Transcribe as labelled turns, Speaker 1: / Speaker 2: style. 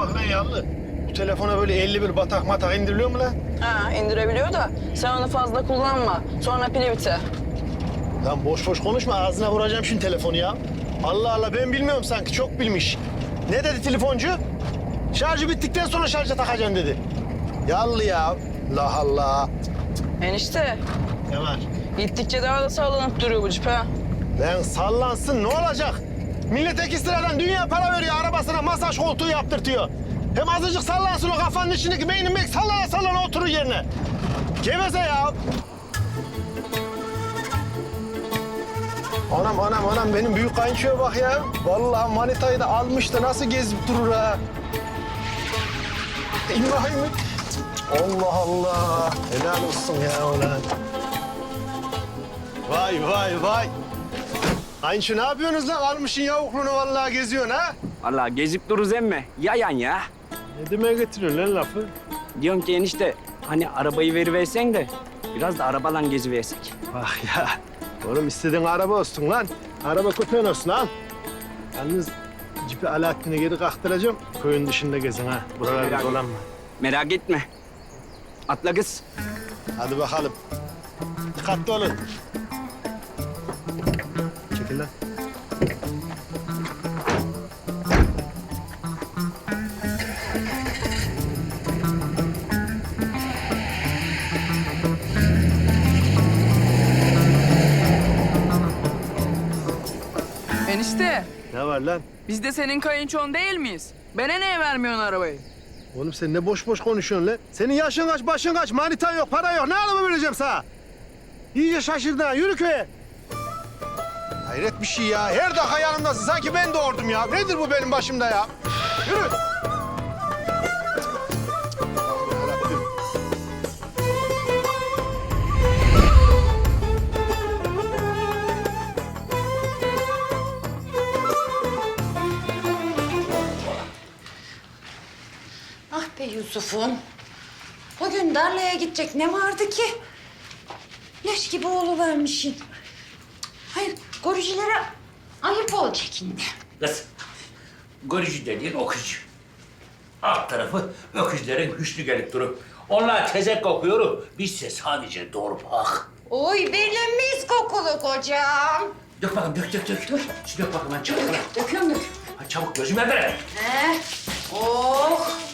Speaker 1: bak lan Yallı. Bu telefona böyle 51 batak matak indiriliyor mu lan?
Speaker 2: Ha, indirebiliyor da sen onu fazla kullanma. Sonra pili biter.
Speaker 1: Lan boş boş konuşma, ağzına vuracağım şimdi telefonu ya. Allah Allah, ben bilmiyorum sanki, çok bilmiş. Ne dedi telefoncu? Şarjı bittikten sonra şarja takacaksın dedi. Yallı ya. Allah Allah.
Speaker 2: Enişte,
Speaker 1: Ne var?
Speaker 2: gittikçe daha da sallanıp duruyor bu cip ha.
Speaker 1: Lan sallansın, ne olacak? Millet ekstradan dünya para veriyor, arabasına masaj koltuğu yaptırtıyor. Hem azıcık sallansın, o kafanın içindeki beynin mek sallana sallana oturur yerine. Geveze ya. Anam benim büyük kayınçoya bak ya. Vallahi manitayı da almış da nasıl gezip durur ha. İbrahim. Allah Allah. Helal olsun ya ulan. Vay. Kayınço ne yapıyorsunuz lan? Almışsın yavukluğunu vallahi geziyorsun ha.
Speaker 3: Vallahi gezip dururuz emme. Yayan ya.
Speaker 1: Ne demeye getiriyorsun lan lafı?
Speaker 3: Diyorum ki enişte hani arabayı veriversen de biraz da arabalan geziversek.
Speaker 1: Bak ya. Oğlum istediğin araba olsun lan. Araba köpeğin olsun al. Yalnız cipi Alaaddin'e geri kaktıracağım. Köyün dışında gezin ha. Buralarda
Speaker 3: Merak
Speaker 1: dolanma.
Speaker 3: Merak etme. Atla kız.
Speaker 1: Hadi bakalım. Dikkatli olun. Çekil lan.
Speaker 2: Enişte,
Speaker 1: Ne var lan?
Speaker 2: biz de senin kayınçon değil miyiz? Bana niye vermiyorsun arabayı?
Speaker 1: Oğlum sen ne boş boş konuşuyorsun lan? Senin yaşın kaç, başın kaç, manitan yok, para yok. Ne araba vereceğim sana? İyice şaşırdın ha. Yürü köye. Hayret bir şey ya. Her dakika yanımdasın. Sanki ben doğurdum ya. Nedir bu benim başımda ya? Yürü.
Speaker 4: Ah be Yusuf'um. Bugün tarlaya gidecek ne vardı ki? Leş gibi oğluvermişsin. Hayır, görücülere ayıp olacak şimdi.
Speaker 5: Kız, görücü dediğin okuyucu. Alt tarafı öküzlerin hüsnü gelip durup. Onlar tezek kokuyor, bizse sadece doğru bak.
Speaker 4: Oy benim mis kokulu kocam.
Speaker 5: Dök bakalım, dök. Dur. Şu dök bakalım, çabuk.
Speaker 4: Döküyorum.
Speaker 5: Ha, çabuk, gözüme ver.
Speaker 4: Oh,